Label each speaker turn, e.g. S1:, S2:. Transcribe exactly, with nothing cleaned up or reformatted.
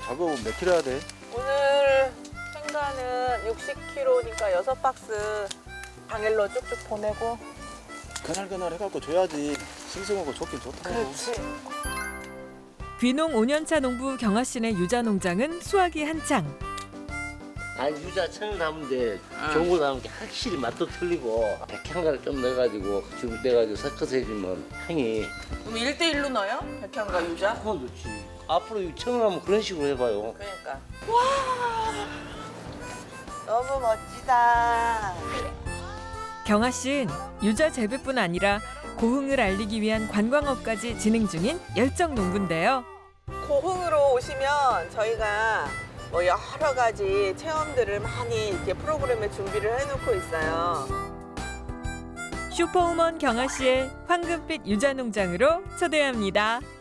S1: 작업은 몇 킬로 해야 돼?
S2: 오늘 생가는 육십 킬로그램니까 여섯 박스 당일로 쭉쭉 보내고.
S1: 그날그날 해갖고 줘야지 싱싱하고 좋긴 좋더라고.
S2: 그렇지.
S3: 귀농 오 년 차 농부 경아 씨네 유자 농장은 수확이 한창.
S4: 아니 유자 천을 담은데 좋은 거 담은 게 확실히 맛도 틀리고 백향가를 좀 넣어가지고 지금 떼가지고 섞어서 해주면 향이
S2: 그럼 일 대 일로 넣어요? 백향과 유자?
S4: 그건 좋지. 앞으로 이 천을 하면 그런 식으로 해봐요.
S2: 그러니까. 와, 너무 멋지다.
S3: 경아 씨는 유자 재배뿐 아니라 고흥을 알리기 위한 관광업까지 진행 중인 열정 농부인데요.
S2: 고흥으로 오시면 저희가 뭐 여러 가지 체험들을 많이 이렇게 프로그램에 준비를 해놓고 있어요.
S3: 슈퍼우먼 경아 씨의 황금빛 유자 농장으로 초대합니다.